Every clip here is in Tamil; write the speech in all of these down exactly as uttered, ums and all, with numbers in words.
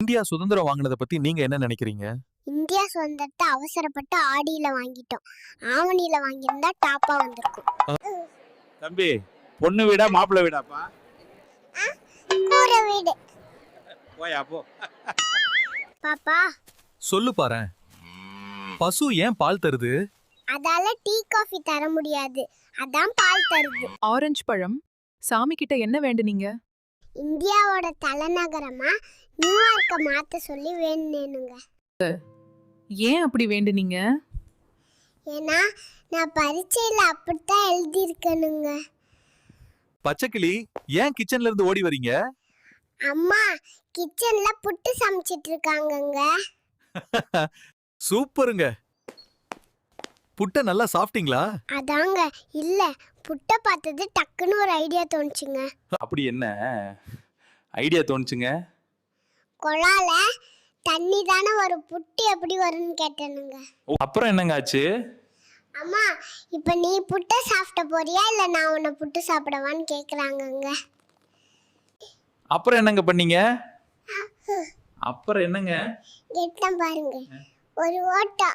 இந்தியா சுதந்திரம் வாங்கினதை பத்தி நீங்க என்ன நினைக்கிறீங்க? இந்தியா சுதந்திரத்தை அவசரப்பட்டு ஆடியில வாங்கிட்டோம். ஆவணியில வாங்கியிருந்தா டாப்பா வந்திருக்கும். தம்பி, பொண்ணு வீடா மாப்பிள்ளை வீடாப்பா? கூரை வீடு. போயா போ. பாப்பா சொல்லு பாரேன். பசு ஏன் பால் தருது? அதால டீ காஃபி தர முடியாது, அதான் பால் தருது. ஆரஞ்சு பழம் சாமி கிட்ட என்ன வேண்டுனீங்க? இந்தியாவோட தலைநகரமா நியூயார்க்க மாத்த சொல்லி வேணுங்க. ஏன் அப்படி வேண்டுனீங்க? ஏன்னா நான் பரீட்சையில அப்படித்தான் எழுதியிருக்கணுங்க. பச்சைக்கிளி ஏன் கிச்சன்ல இருந்து ஓடி வரீங்க? அம்மா கிச்சன்ல புட்டு சமைச்சிட்டு இருக்காங்கங்க. சூப்பருங்க. புட்டை நல்லா சாப்பிட்டீங்களா? அதாங்க இல்ல, புட்டை பார்த்தது டக்குன்னு ஒரு ஐடியா தோணுச்சுங்க. அப்படி என்ன ஐடியா தோணுச்சுங்க? குழால தண்ணி தானே ஒரு புட்டு எப்படி வரும்னு கேட்டேனுங்க. அப்புறம் என்னங்க ஆச்சு? அம்மா இப்ப நீ புட்டை சாப்பிட போறியா இல்ல நான் உன்னை புட்டு சாப்பிடவான்னு கேக்குறாங்கங்க. அப்புறம் என்னங்க பண்ணீங்க? அப்புறம் என்னங்க? கேட்டேன் பாருங்க, ஒரு ஓட்டா.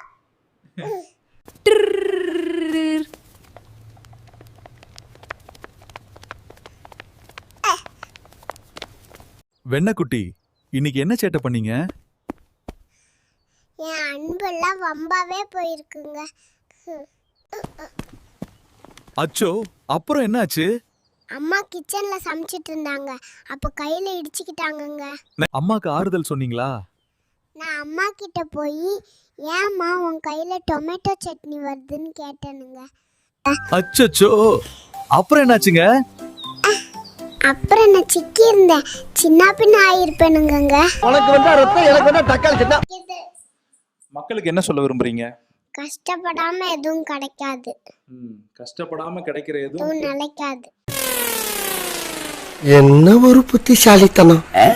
வெண்ணக்குட்டி இன்னைக்கு என்ன சேட்டை பண்ணீங்க? என் அன்பெல்லாம் வம்பாவே போயிருக்குங்க. அச்சோ, அப்புறம் என்ன ஆச்சு? அம்மா கிச்சன்ல சமைச்சிட்டு இருந்தாங்க, அப்ப கையில இடிச்சுக்கிட்டாங்கங்க. அம்மாக்கு ஆறுதல் சொன்னீங்களா? நான் அம்மா கிட்ட போய் ஏம்மா உன் கையில டொமேட்டோ சட்னி வருதுன்னு கேட்டேனுங்க. அச்சச்சோ, அப்புறம் என்னாச்சுங்க? அப்புறம் நான் சிக்கி இருந்தேன், சின்ன பின்ன ஆயிருப்பேனுங்க. உனக்கு வந்தா ரத்தம், எனக்கு வந்தா தக்காளி சட்னி. மக்களுக்கு என்ன சொல்ல விரும்புறீங்க? கஷ்டப்படாம எதுவும் கிடைக்காது, கஷ்டப்படாம கிடைக்கிற எதுவும் எதுவும் நிலைக்காது. என்ன ஒரு புத்திசாலித்தனம்.